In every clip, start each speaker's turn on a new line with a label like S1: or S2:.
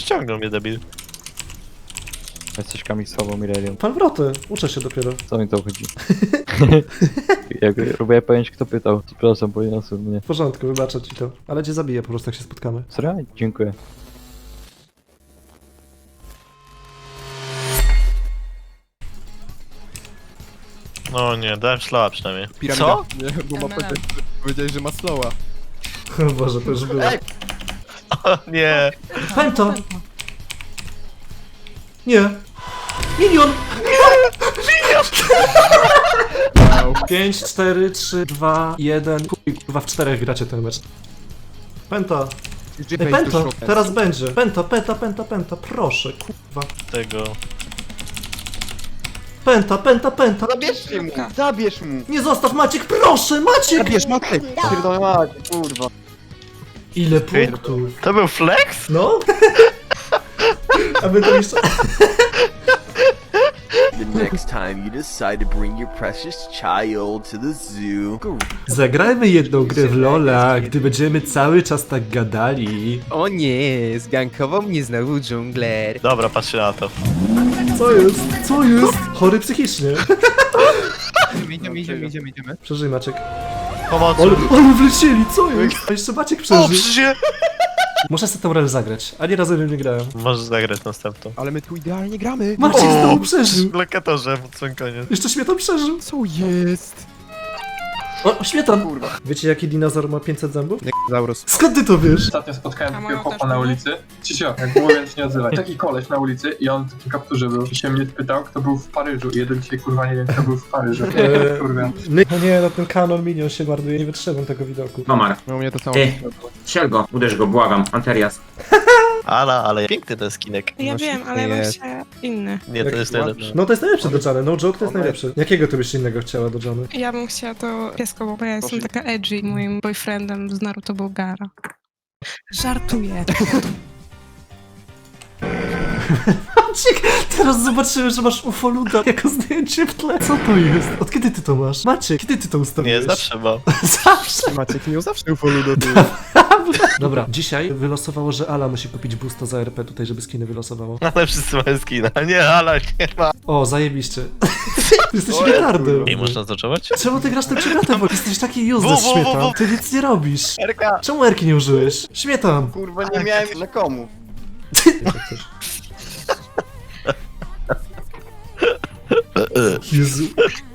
S1: ściągnął mnie debil.
S2: Jesteś kamiksową Mirelią.
S3: Fanwroty, uczę się dopiero.
S2: Co mi to chodzi? Jak próbuję pojęć, kto pytał. Przepraszam, poniosłem mnie.
S3: W porządku, wybaczę ci to. Ale cię zabiję po prostu, jak się spotkamy.
S2: Serio? Dziękuję.
S1: No nie, dałem szlała przynajmniej.
S4: Piramida.
S1: Co?
S4: Nie, bo ma powiedziałeś, że ma slowa.
S3: O Boże, to już było.
S1: O nie.
S3: Pęto! Nie! Minion!
S4: Wow.
S3: 5, 4, 3, 2, 1. Kurwa, w 4 gracie ten mecz. Penta! Ej, Pento! Teraz będzie! Penta, penta, penta, penta, proszę, kurwa.
S1: Tego.
S3: Penta, penta, penta!
S5: Zabierzcie mu! Zabierz mu!
S3: Nie zostaw Maciek, proszę, Maciek!
S4: Zabierz Matek!
S5: Pierdolę mać, kurwa.
S3: Ile punktów?
S1: To był flex?
S3: No? Aby to jeszcze...
S6: The next time you decide to bring your precious child to the zoo, go
S3: Zagrajmy jedną grę w Lola, gdy będziemy cały czas tak gadali.
S4: O nie, zgankował mnie znowu dżungler.
S1: Dobra, patrzcie na to.
S3: Co jest? Co jest? Chory psychicznie.
S4: Idziemy.
S3: Przeżyj, Maciek.
S1: Pomocy.
S3: Ale wlecieli, co jest? A jeszcze Maciek
S1: O,
S3: przeżył.
S1: przecież
S3: Muszę sobie tę rolę zagrać. Ani razem nie grałem.
S1: Możesz zagrać następną.
S4: Ale my tu idealnie gramy.
S3: Maciek znowu przeżył.
S1: W lokatorze, pod sam koniec.
S3: Jeszcze Śmietan przeżył.
S4: Co jest?
S3: O, Śmietan!
S5: Kurwa.
S3: Wiecie, jaki dinozaur ma 500 zębów?
S4: Zaurus.
S3: Skąd ty to wiesz?
S7: Ostatnio spotkałem
S8: A
S7: takiego
S8: moją
S7: chłopa
S8: też
S7: na
S8: nie?
S7: ulicy. Cicio, jak mówię, się nie odzywaj. Taki koleś na ulicy i on w takim kapturze był. I się mnie spytał, kto był w Paryżu. I jeden dzisiaj kurwa nie wiem, kto był w Paryżu. Kurwa.
S3: No nie, no ten kanon minion się marnuje, nie wytrzymam tego widoku.
S9: Nomar.
S4: No u mnie to samo.
S9: Ty, strzel go, uderz go, błagam, Anterias.
S1: Ale piękny ten skinek.
S8: Ja
S4: No
S8: wiem,
S4: świetnie
S8: ale ja bym
S4: jest.
S8: chciała inny.
S1: Nie, to jest najlepsze.
S3: No to jest najlepsze do Johnny, no joke to jest najlepsze. Jakiego ty byś innego chciała do Johnny?
S8: Ja bym chciała to piesko, bo ja jestem taka edgy. Moim boyfriendem z Naruto był Gaara. Żartuję.
S3: Maciek, teraz zobaczyłem, że masz ufoluda jako zdjęcie w tle. Co to jest? Od kiedy ty to masz? Maciek, kiedy ty to ustawiłeś?
S1: Nie, zawsze mam.
S3: Zawsze.
S4: Maciek miał zawsze ufolu do tyłu.
S3: Dobra, dzisiaj wylosowało, że Ala musi kupić boosta za RP tutaj, żeby skiny wylosowało.
S1: Ale wszyscy mają skina. Nie, ale nie ma.
S3: O, zajebiście. Jesteś retardem.
S1: Ej, można zacząć?
S3: Czemu ty grasz tym przegratem, bo jesteś taki useless, Śmietan. Ty nic nie robisz.
S1: Erka!
S3: Czemu Erki nie użyłeś? Śmietan.
S5: Kurwa, nie miałem na komu.
S3: Jezu.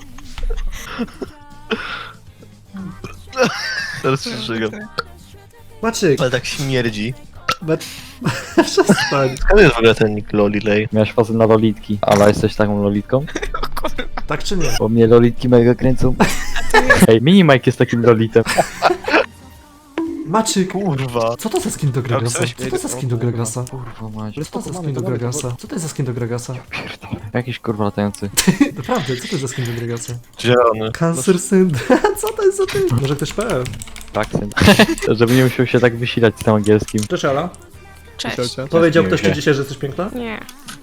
S1: Teraz się żygam.
S3: Maciek,
S1: Ale tak śmierdzi.
S3: przestań.
S1: Skąd jest w ogóle ten nick Lolilej?
S2: Miałeś fazę na lolitki. Ale jesteś taką lolitką?
S3: Tak czy nie?
S2: Bo mnie lolitki mega kręcą. Ej, Minimike jest takim lolitem.
S3: Maciek,
S1: Kurwa.
S3: co to za skin do Gragasa?
S1: coś-
S3: Co to za skin do Gragasa?
S2: Kurwa mać.
S3: Co to za skin do Gragasa? Co to jest za skin do Gragasa?
S2: Jakiś kurwa latający.
S3: Naprawdę, co to jest za skin do Gragasa?
S1: Zielony.
S3: Cancer syndrome. Co to jest za ty? Może ktoś PL?
S2: Tak, syn. Żeby nie musiał się tak wysilać z tym angielskim.
S3: Cześć Ala.
S8: Cześć.
S3: Powiedział ktoś ci dzisiaj, że jesteś piękna?
S8: Nie.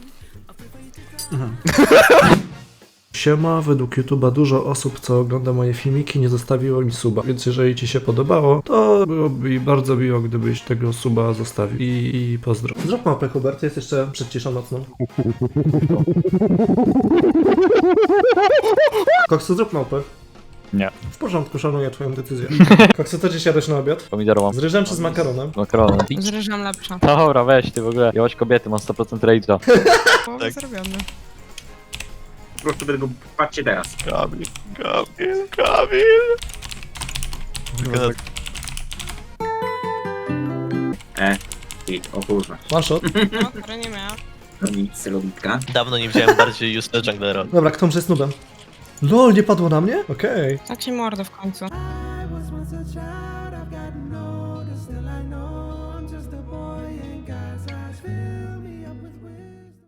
S3: Siema, według YouTube'a dużo osób, co ogląda moje filmiki, nie zostawiło mi suba, więc jeżeli ci się podobało, to byłoby mi bardzo miło, gdybyś tego suba zostawił. I pozdro. Zrób mapę, Hubert, jest jeszcze przed ciszą nocną. Koksu, zrób mapę.
S2: Nie.
S3: W porządku, szanuję twoją decyzję. Koksu, co dziś jadłeś na obiad?
S2: Pomidorową.
S3: Z ryżem czy z makaronem?
S2: Makaronem.
S8: Z ryżem lepsza.
S2: Dobra, weź ty w ogóle. Jałaś kobiety, mam 100% rage'a.
S8: Połowę
S1: Tak.
S8: zrobione.
S9: Po prostu tego, patrzcie teraz.
S1: Kamil.
S9: I, o kurwa,
S3: One shot.
S8: No, które nie miała.
S9: to nic, celowitka.
S1: Dawno nie widziałem bardziej useless junglera.
S3: Dobra, kto jest nubem? LOL, nie padło na mnie? Okej.
S8: Tak ci mordę w końcu.